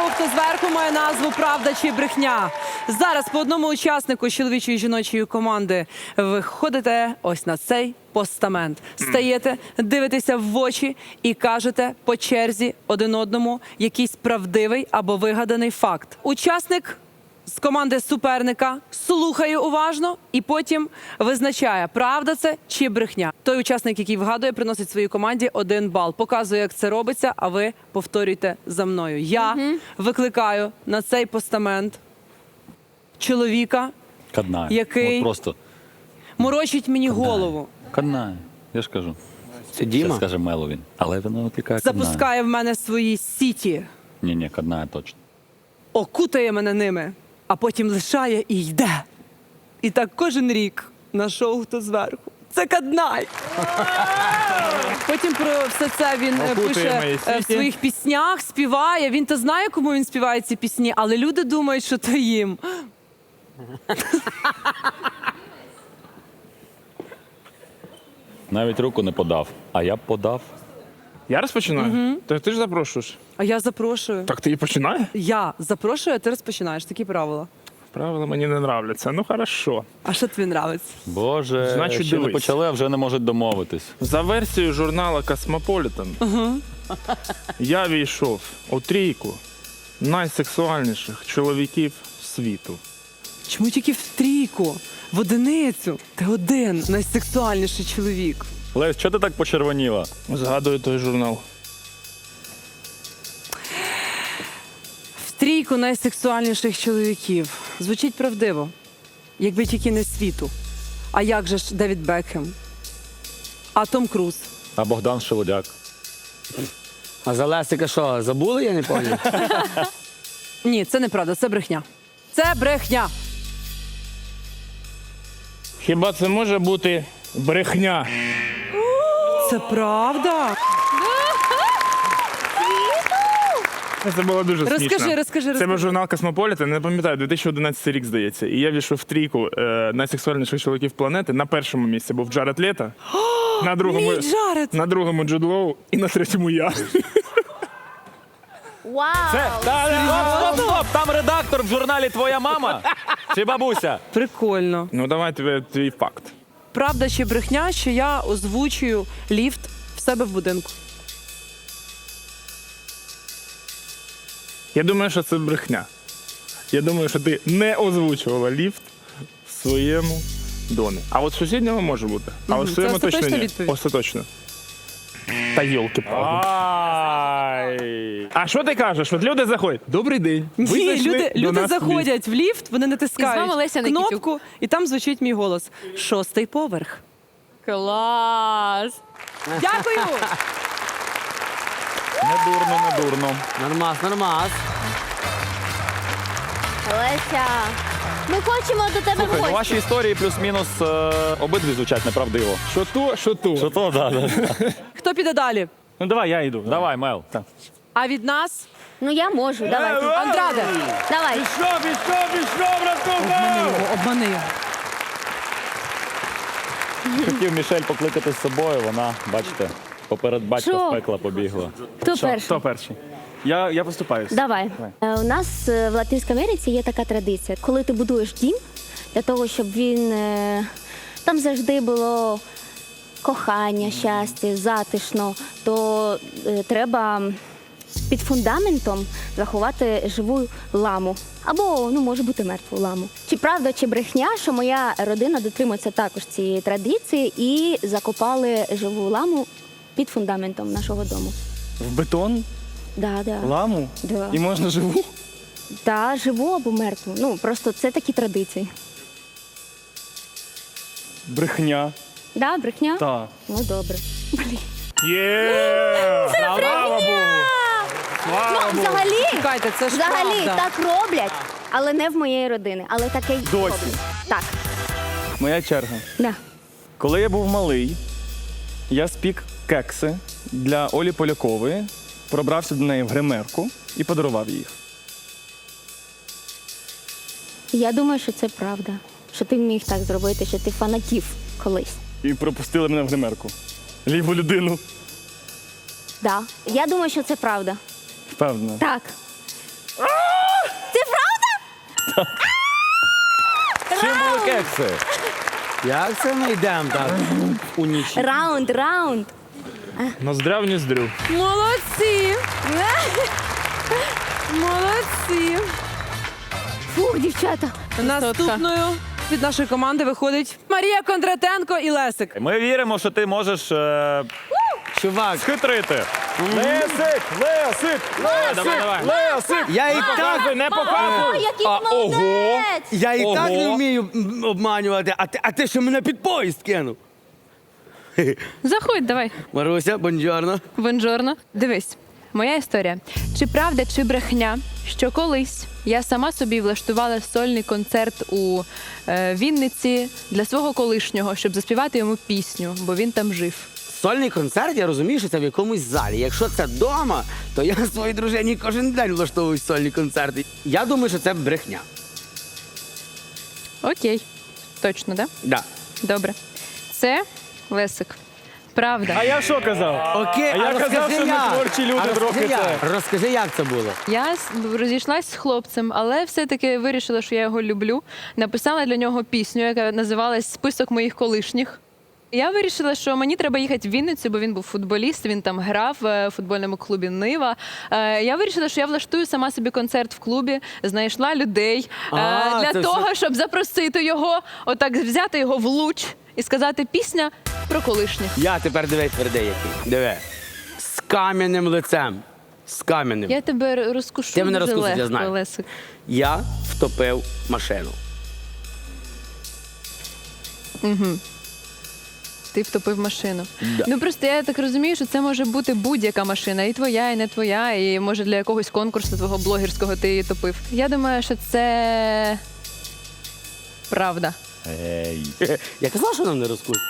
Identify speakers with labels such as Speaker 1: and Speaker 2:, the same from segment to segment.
Speaker 1: хто зверху має назву «Правда чи брехня». Зараз по одному учаснику з чоловічої і жіночої команди ви ходите ось на цей постамент. Стаєте, дивитеся в очі і кажете по черзі один одному якийсь правдивий або вигаданий факт. Учасник з команди суперника слухає уважно і потім визначає, правда це чи брехня. Той учасник, який вгадує, приносить своїй команді 1 бал. Показує, як це робиться, а ви повторюйте за мною. Я викликаю на цей постамент чоловіка,
Speaker 2: Каднає.
Speaker 1: який
Speaker 2: От просто
Speaker 1: морочить мені голову,
Speaker 2: каднає. Я ж кажу.
Speaker 3: Це Діма?
Speaker 2: Це скаже Меловін. Але вона викликає каднає.
Speaker 1: запускає в мене свої сіті,
Speaker 2: Ні, каднає точно.
Speaker 1: окутає мене ними, а потім лишає і йде. І так кожен рік на шоу «Хто зверху». Це Каднай. Потім про все це він пише в своїх піснях, співає. Він то знає, кому він співає ці пісні, але люди думають, що то їм.
Speaker 2: Навіть руку не подав. А я б подав.
Speaker 4: Я розпочинаю? Так ти ж запрошуєш.
Speaker 1: А я запрошую.
Speaker 4: Так ти і починає?
Speaker 1: Я запрошую, а ти розпочинаєш. Такі правила.
Speaker 4: Правила мені не нравляться. Ну хорошо.
Speaker 1: А що тобі нравиться?
Speaker 2: Боже,
Speaker 4: Значить,
Speaker 2: ще не
Speaker 4: дивись.
Speaker 2: почали, а вже не можуть домовитись.
Speaker 4: За версією журналу Космополітен, я війшов у трійку найсексуальніших чоловіків світу.
Speaker 1: Чому тільки в трійку? В одиницю? Ти один найсексуальніший чоловік.
Speaker 2: Лесь, чого ти так почервоніла?
Speaker 4: Згадую той журнал.
Speaker 1: В трійку найсексуальніших чоловіків. Звучить правдиво. Якби тільки не світу. А як же ж Девід Бекхем? А Том Круз?
Speaker 2: А Богдан Шелудяк.
Speaker 3: А за Лесика що, забули, я не пам'ятаю?
Speaker 1: Ні, це неправда, це брехня. Це брехня.
Speaker 4: Хіба це може бути брехня?
Speaker 1: Це правда?
Speaker 4: Це було дуже смішно.
Speaker 1: Розкажи.
Speaker 4: Це був журнал Космополітен, не пам'ятаю, 2011 рік, здається. І я війшов в трійку найсексуальніших чоловіків планети. На першому місці був Джаред Лето,
Speaker 1: Мій Джаред!
Speaker 4: на другому Джуд Лоу і на третьому я.
Speaker 5: Вау!
Speaker 2: Стоп! Там редактор в журналі «Твоя мама» чи бабуся?
Speaker 1: Прикольно.
Speaker 4: Ну давай твій факт.
Speaker 1: Правда чи брехня, що я озвучую ліфт в себе в будинку?
Speaker 4: Я думаю, що це брехня. Я думаю, що ти не озвучувала ліфт в своєму домі. А от в сусідньому може бути. А от в
Speaker 1: Це
Speaker 4: своєму точно
Speaker 1: остаточна
Speaker 4: ні.
Speaker 1: відповідь?
Speaker 4: Остаточно. Та йолки-палки.
Speaker 2: Ай!
Speaker 4: А що ти кажеш? От люди заходять. Добрий день. Ви
Speaker 1: Ні,
Speaker 4: зайшли до
Speaker 1: люди
Speaker 4: нас в ліфт.
Speaker 1: заходять в ліфт, вони
Speaker 5: І з вами
Speaker 1: натискають
Speaker 5: Леся Никитюк.
Speaker 1: кнопку, і там звучить мій голос. 6-й поверх.
Speaker 5: Клас!
Speaker 1: Дякую!
Speaker 2: Не дурно.
Speaker 3: Нормас.
Speaker 5: Леся, ми хочемо до тебе в
Speaker 2: Слухай, ну
Speaker 5: гості.
Speaker 2: ваші історії плюс-мінус обидві звучать неправдиво.
Speaker 4: Що то, що то.
Speaker 2: Що то, да.
Speaker 1: Хто піде далі?
Speaker 2: Ну давай, я йду. Давай, Мел.
Speaker 1: А від нас
Speaker 5: Ну я можу, давай.
Speaker 1: Андраде.
Speaker 5: Давай.
Speaker 1: Обмани його.
Speaker 2: Хотів Мішель покликати з собою, вона, бачите, поперед батька
Speaker 5: Що?
Speaker 2: в пекла побігла.
Speaker 5: Хто перший?
Speaker 4: Хто перший? Я поступаюсь.
Speaker 5: Давай. У нас в Латинській Америці є така традиція. Коли ти будуєш дім, для того, щоб він там завжди було кохання, щастя, затишно, то треба під фундаментом заховати живу ламу. Або, може бути, мертву ламу. Чи правда, чи брехня, що моя родина дотримується також цієї традиції і закопали живу ламу під фундаментом нашого дому.
Speaker 6: В бетон,
Speaker 5: Да.
Speaker 6: ламу
Speaker 5: Да.
Speaker 6: і можна живу?
Speaker 5: Та живу або мертву. Просто це такі традиції.
Speaker 6: Брехня.
Speaker 5: Да, брехня?
Speaker 6: Так.
Speaker 5: Ну добре. Блін.
Speaker 4: Є! Слава Богу!
Speaker 5: Ну, взагалі,
Speaker 1: Чекайте, це ж
Speaker 5: взагалі
Speaker 1: правда.
Speaker 5: так роблять, але не в моєї родини. Але таке й
Speaker 6: Досі.
Speaker 5: роблять. Так,
Speaker 6: Моя черга.
Speaker 5: да.
Speaker 6: Коли я був малий, я спік кекси для Олі Полякової, пробрався до неї в гримерку і подарував їх.
Speaker 5: Я думаю, що це правда. Що ти міг так зробити, що ти фанатів колись.
Speaker 6: І пропустили мене в гримерку. Ліву людину.
Speaker 5: Да. Я думаю, що це правда.
Speaker 6: Впевнена.
Speaker 5: Так.
Speaker 2: Чим були кекси?
Speaker 3: Як це ми йдемо так у ніч?
Speaker 5: Раунд.
Speaker 4: Ноздря в ніздрю.
Speaker 1: Молодці! Молодці!
Speaker 5: Фух, дівчата.
Speaker 1: Наступною від нашої команди виходить Марія Кондратенко і Лесик.
Speaker 2: Ми віримо, що ти можеш
Speaker 3: Чувак,
Speaker 2: схитрити.
Speaker 6: Лесик! Лесик!
Speaker 2: Давай.
Speaker 6: Лесик!
Speaker 3: я і так,
Speaker 4: Не
Speaker 5: О,
Speaker 4: показуй!
Speaker 5: який молодець!
Speaker 3: я і так не
Speaker 2: Ого.
Speaker 3: вмію обманювати, а ти що мене під поїзд кинув?
Speaker 7: Заходь, давай.
Speaker 3: Маруся, бонджорно.
Speaker 7: Бонжорно. Дивись, моя історія. Чи правда, чи брехня, що колись я сама собі влаштувала сольний концерт у Вінниці для свого колишнього, щоб заспівати йому пісню, бо він там жив.
Speaker 3: Сольний концерт, я розумію, що це в якомусь залі. Якщо це вдома, то я своїй дружині кожен день влаштовую сольні концерти. Я думаю, що це брехня.
Speaker 7: Окей. Точно, да?
Speaker 3: Да.
Speaker 7: Добре. Це Лесик. Правда.
Speaker 6: А я що казав?
Speaker 3: Окей,
Speaker 6: А я казав,
Speaker 3: розкажи
Speaker 6: що ми
Speaker 3: як.
Speaker 6: творчі люди
Speaker 3: А розкажи
Speaker 6: трохи
Speaker 3: як.
Speaker 6: це.
Speaker 3: Розкажи, як це було.
Speaker 7: Я розійшлась з хлопцем, але все-таки вирішила, що я його люблю. Написала для нього пісню, яка називалась «Список моїх колишніх». Я вирішила, що мені треба їхати в Вінницю, бо він був футболіст, він там грав в футбольному клубі «Нива». Я вирішила, що я влаштую сама собі концерт в клубі, знайшла людей
Speaker 3: це
Speaker 7: для того, щоб запросити його, отак взяти його в луч і сказати пісня про колишніх.
Speaker 3: Я тепер дивись твердий який. Диви. З кам'яним лицем. З кам'яним.
Speaker 7: Я тебе розкушу
Speaker 3: Ти мене
Speaker 7: дуже
Speaker 3: розкусиш, я
Speaker 7: легко,
Speaker 3: знаю.
Speaker 7: Лесик.
Speaker 3: Я втопив машину.
Speaker 7: Ти втопив машину.
Speaker 3: Да.
Speaker 7: Ну просто я так розумію, що це може бути будь-яка машина, і твоя, і не твоя, і може для якогось конкурсу твого блогерського ти її топив. Я думаю, що це правда.
Speaker 2: Ей.
Speaker 3: Я казав, що нам не розкусить.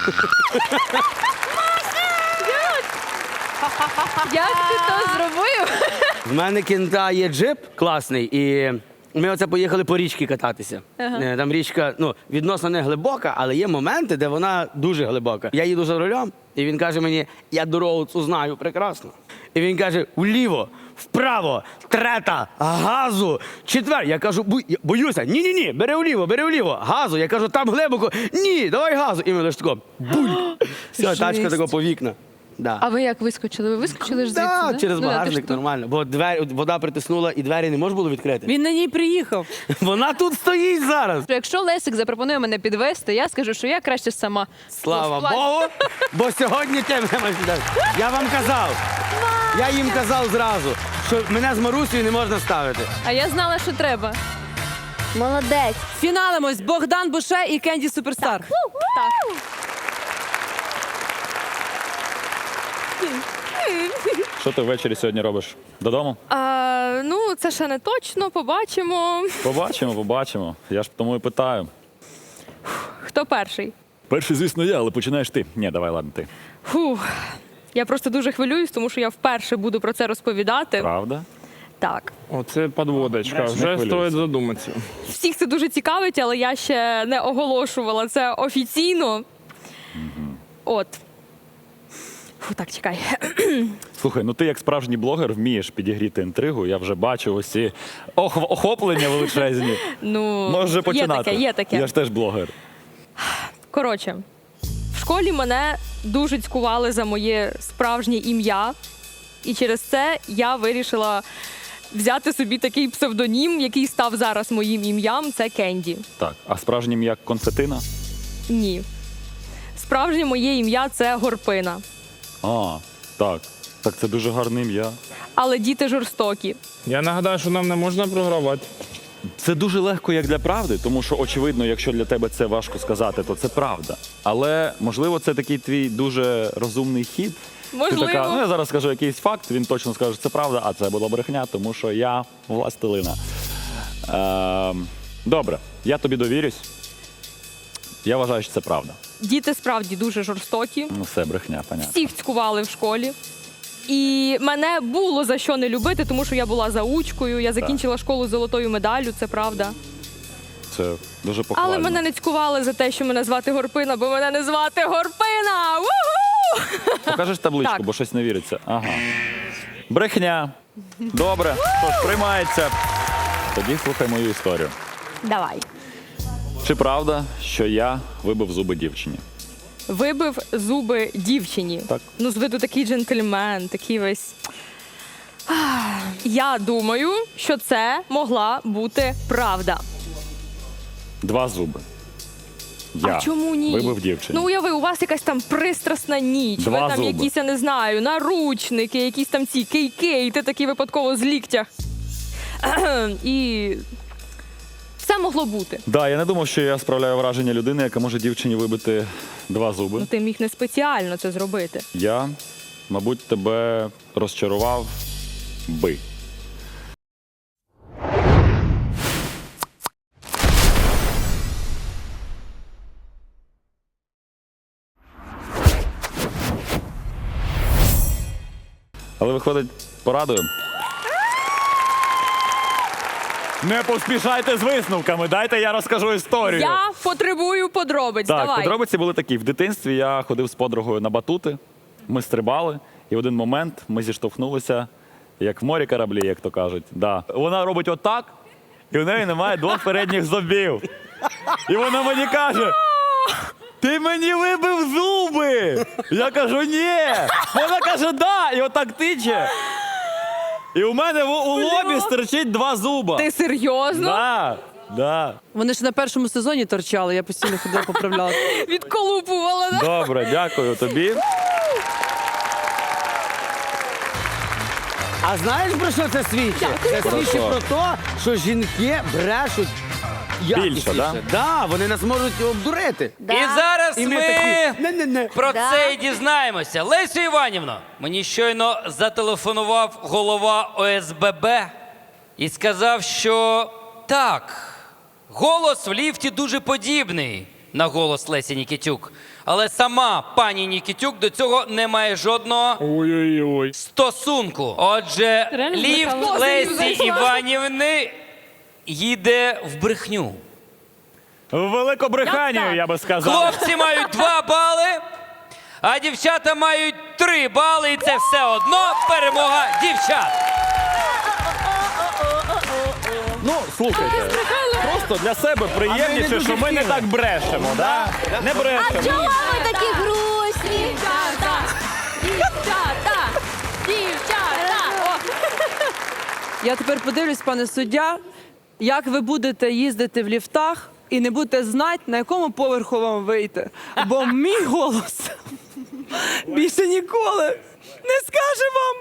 Speaker 7: Як ти то зробив?
Speaker 3: В мене кінта є джип класний, і ми оце поїхали по річці кататися. Там річка, ну, відносно не глибока, але є моменти, де вона дуже глибока. Я їду за рулем, і він каже мені, я дорогу цю знаю прекрасно. І він каже, вліво, вправо, трета, газу, четвер. Я кажу, боюся, ні, бери вліво, газу. Я кажу, там глибоко, ні, давай газу. І ми лише тако, бульк. Все, тачка тако по вікна. Да.
Speaker 7: А ви як вискочили? Ви вискочили ж звідси?
Speaker 3: Да,
Speaker 7: да?
Speaker 3: через
Speaker 7: Ну, да, ти
Speaker 3: багажник
Speaker 7: ж тут.
Speaker 3: нормально. Бо вода притиснула і двері не можна було відкрити.
Speaker 1: Він на ній приїхав.
Speaker 3: Вона тут стоїть зараз.
Speaker 7: Якщо Лесик запропонує мене підвести, я скажу, що я краще сама.
Speaker 3: Слава
Speaker 7: Ну,
Speaker 3: Богу, бо сьогодні ти мене маєш віддати. Я вам казав. Я їм казав зразу, що мене з Марусею не можна ставити.
Speaker 7: А я знала, що треба.
Speaker 5: Молодець.
Speaker 1: Фіналимось Богдан Буше і Кенді Суперстар.
Speaker 2: Що ти ввечері сьогодні робиш? Додому?
Speaker 8: Ну, це ще не точно, побачимо.
Speaker 2: Побачимо. Я ж тому і питаю.
Speaker 8: Хто перший?
Speaker 2: Перший, звісно, я, але починаєш ти. Ні, давай, ладно, ти.
Speaker 8: Фух. Я просто дуже хвилююсь, тому що я вперше буду про це розповідати.
Speaker 2: Правда?
Speaker 8: Так.
Speaker 4: Оце підводочка,
Speaker 2: Не
Speaker 4: вже
Speaker 2: хвилюйся.
Speaker 4: стоїть задуматися.
Speaker 8: Всіх це дуже цікавить, але я ще не оголошувала це офіційно. От. Фу, так, чекай.
Speaker 2: Слухай, ну ти як справжній блогер вмієш підігріти інтригу. Я вже бачу ось ці охоплення величезні.
Speaker 8: Ну,
Speaker 2: Може починати.
Speaker 8: Є таке.
Speaker 2: Я ж теж блогер.
Speaker 8: Коротше, в школі мене дуже цькували за моє справжнє ім'я. І через це я вирішила взяти собі такий псевдонім, який став зараз моїм ім'ям. Це Кенді.
Speaker 2: Так, а справжнім як конфетина?
Speaker 8: Ні. Справжнє моє ім'я це Горпина.
Speaker 2: А, так. Так це дуже гарне ім'я.
Speaker 8: Але діти жорстокі.
Speaker 4: Я нагадаю, що нам не можна програвати.
Speaker 2: Це дуже легко як для правди, тому що, очевидно, якщо для тебе це важко сказати, то це правда. Але, можливо, це такий твій дуже розумний хід.
Speaker 8: Можливо.
Speaker 2: Ти така, ну я зараз скажу якийсь факт, він точно скаже, що це правда, а це була брехня, тому що я властелина. Добре, я тобі довірюсь. Я вважаю, що це правда.
Speaker 8: Діти справді дуже жорстокі.
Speaker 2: Ну все, брехня, понятно.
Speaker 8: Всіх цькували в школі. І мене було за що не любити, тому що я була заучкою, я закінчила школу з золотою медаллю, це правда.
Speaker 2: Це дуже похвально.
Speaker 8: Але мене не цькували за те, що мене звати Горпина, бо мене не звати Горпина! Ву-ху!
Speaker 2: Покажеш табличку,
Speaker 8: Так.
Speaker 2: бо щось не віриться. Ага. Брехня. Добре, що ж, приймається. Тоді слухай мою історію.
Speaker 8: Давай.
Speaker 2: Чи правда, що я вибив зуби дівчині?
Speaker 8: Вибив зуби дівчині.
Speaker 2: Так.
Speaker 8: Ну, з виду такий джентльмен, такий весь. Я думаю, що це могла бути правда.
Speaker 2: 2 зуби. Я
Speaker 8: А чому ні?
Speaker 2: вибив дівчині.
Speaker 8: Ну, уяви, у вас якась там пристрасна ніч,
Speaker 2: 2
Speaker 8: ви там
Speaker 2: зуби.
Speaker 8: якісь, я не знаю, наручники, якісь там ці кейки, і ти такий випадково з ліктях. І все могло бути.
Speaker 2: Да, я не думав, що я справляю враження людини, яка може дівчині вибити 2 зуби.
Speaker 8: Ну, ти міг не спеціально це зробити.
Speaker 2: Я, мабуть, тебе розчарував би. Але виходить, порадую. Не поспішайте з висновками, дайте я розкажу історію.
Speaker 8: Я потребую подробиць.
Speaker 2: Так,
Speaker 8: Давай.
Speaker 2: подробиці були такі. В дитинстві я ходив з подругою на батути, ми стрибали, і в один момент ми зіштовхнулися, як в морі кораблі, як то кажуть. Да. Вона робить отак, і в неї немає 2 передніх зубів. І вона мені каже: ти мені вибив зуби! Я кажу, ні. Вона каже, да, і отак тиче. І у мене у лобі стирчить 2 зуба.
Speaker 8: Ти серйозно?
Speaker 2: Да, да.
Speaker 1: Вони ж на першому сезоні торчали, я постійно ходила поправляла.
Speaker 8: Відколупувала. Да?
Speaker 2: Добре, дякую тобі.
Speaker 3: А знаєш, про що це свідчить? Це свідчить
Speaker 2: що?
Speaker 3: про те, що жінки брешуть якісніше.
Speaker 2: да?
Speaker 3: Да, вони нас можуть обдурити.
Speaker 5: Да.
Speaker 9: І зараз
Speaker 3: І ми
Speaker 9: ми
Speaker 3: такі, не-не-не.
Speaker 9: про
Speaker 5: Да.
Speaker 9: це і дізнаємося. Лесю Іванівно, мені щойно зателефонував голова ОСББ і сказав, що так, голос в ліфті дуже подібний на голос Лесі Нікітюк. Але сама пані Нікітюк до цього не має жодного
Speaker 4: Ой-ой-ой.
Speaker 9: стосунку. Отже,
Speaker 7: Реально
Speaker 9: ліфт
Speaker 7: збрехала?
Speaker 9: Лесі
Speaker 7: Зайшла.
Speaker 9: Іванівни їде в брехню.
Speaker 2: В Великобританію, я би сказав.
Speaker 9: Хлопці мають 2 бали, а дівчата мають 3 бали, і це все одно перемога дівчат.
Speaker 2: Ну, слухайте, просто для себе приємніше, що ми не так брешемо, да? Не брешемо.
Speaker 5: Чого ви такі грустні?
Speaker 8: Дівчата! Дівчата! Дівчата! О!
Speaker 1: Я тепер подивлюсь, пане суддя, як ви будете їздити в ліфтах і не будете знати, на якому поверху вам вийти. Бо мій голос більше ніколи не скаже вам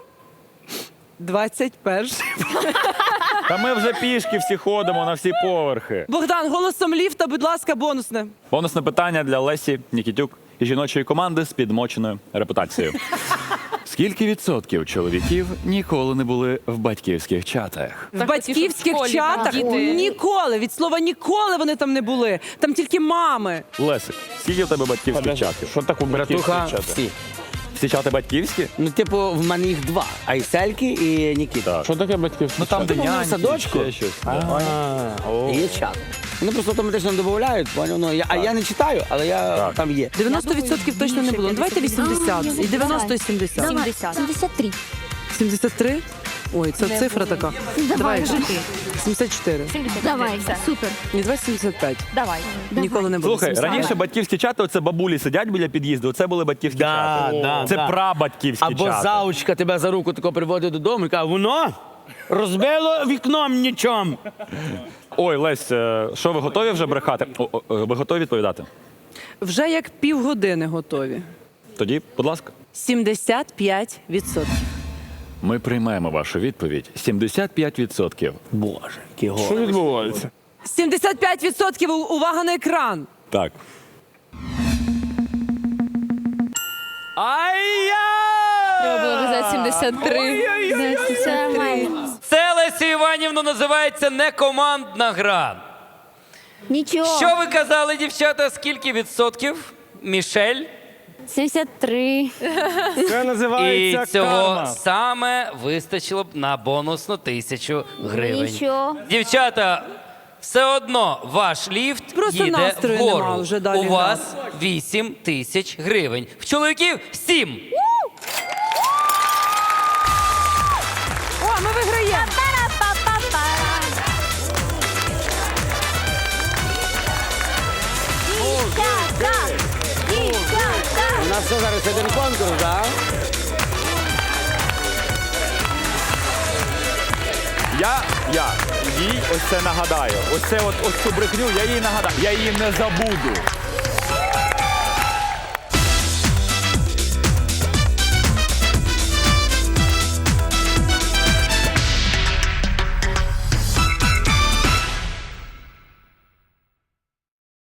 Speaker 1: 21.
Speaker 2: Та ми вже пішки всі ходимо на всі поверхи.
Speaker 1: Богдан, голосом ліфта, будь ласка, бонусне.
Speaker 2: Бонусне питання для Лесі Нікітюк і жіночої команди з підмоченою репутацією. Скільки відсотків чоловіків ніколи не були в батьківських чатах?
Speaker 1: В батьківських
Speaker 8: в школі
Speaker 1: чатах
Speaker 8: діти.
Speaker 1: ніколи, від слова ніколи вони там не були. Там тільки мами.
Speaker 2: Лесик, скільки в тебе батьківських чатів?
Speaker 4: Що таке
Speaker 3: Братуха,
Speaker 4: батьківські чати?
Speaker 3: всі.
Speaker 2: Всі чати батьківські?
Speaker 3: Ну, типу, в мене їх 2. Айсельки і Нікіта.
Speaker 4: Що таке батьківські
Speaker 2: Ну там де
Speaker 3: Вони в
Speaker 2: няньки,
Speaker 3: садочку.
Speaker 2: ще щось.
Speaker 3: І є чат. Вони просто автоматично додають, поняв? Ну, а я не читаю, але я там є.
Speaker 1: 90% точно не було. Ну, давайте 80. І 90, і 70.
Speaker 5: 73.
Speaker 1: 73? Ой, це цифра така. Давай. 74.
Speaker 5: Давай, супер.
Speaker 1: Ні, 275.
Speaker 8: Давай.
Speaker 1: Ніколи не було.
Speaker 2: Слухай,
Speaker 1: 70.
Speaker 2: раніше батьківські чати, оце бабулі сидять біля під'їзду, оце були батьківські
Speaker 3: Да,
Speaker 2: чати.
Speaker 3: да,
Speaker 2: Це
Speaker 3: да.
Speaker 2: прабатьківські
Speaker 3: Або
Speaker 2: чати.
Speaker 3: заучка тебе за руку тако приводить додому і каже, воно розбило вікном нічом.
Speaker 2: Ой, Лесь, що ви готові вже брехати? Ви готові відповідати?
Speaker 1: Вже як півгодини готові.
Speaker 2: Тоді, будь ласка.
Speaker 1: 75%.
Speaker 2: Ми приймаємо вашу відповідь. 75%.
Speaker 3: Боже, який
Speaker 4: Що відбувається?
Speaker 1: 75% увага на екран.
Speaker 2: Так.
Speaker 7: Треба було казати 73.
Speaker 5: Це нормально.
Speaker 9: Це, Лесю Іванівну, називається некомандна гра.
Speaker 5: Нічого.
Speaker 9: Що ви казали, дівчата, скільки відсотків? Мішель?
Speaker 5: 73.
Speaker 6: Це
Speaker 9: І
Speaker 6: називається
Speaker 9: цього
Speaker 6: карма.
Speaker 9: саме вистачило б на бонусну 1000 гривень.
Speaker 5: Нічого.
Speaker 9: Дівчата, все одно ваш ліфт
Speaker 1: Просто
Speaker 9: їде
Speaker 1: настрою
Speaker 9: вгору.
Speaker 1: нема вже далі
Speaker 9: У
Speaker 1: грати.
Speaker 9: вас 8000 гривень. В чоловіків 7.
Speaker 1: О, ми виграємо.
Speaker 3: що зараз один конкурс, так?
Speaker 2: Я їй ось це нагадаю. Ось цю брехню я їй нагадаю. Я її не забуду.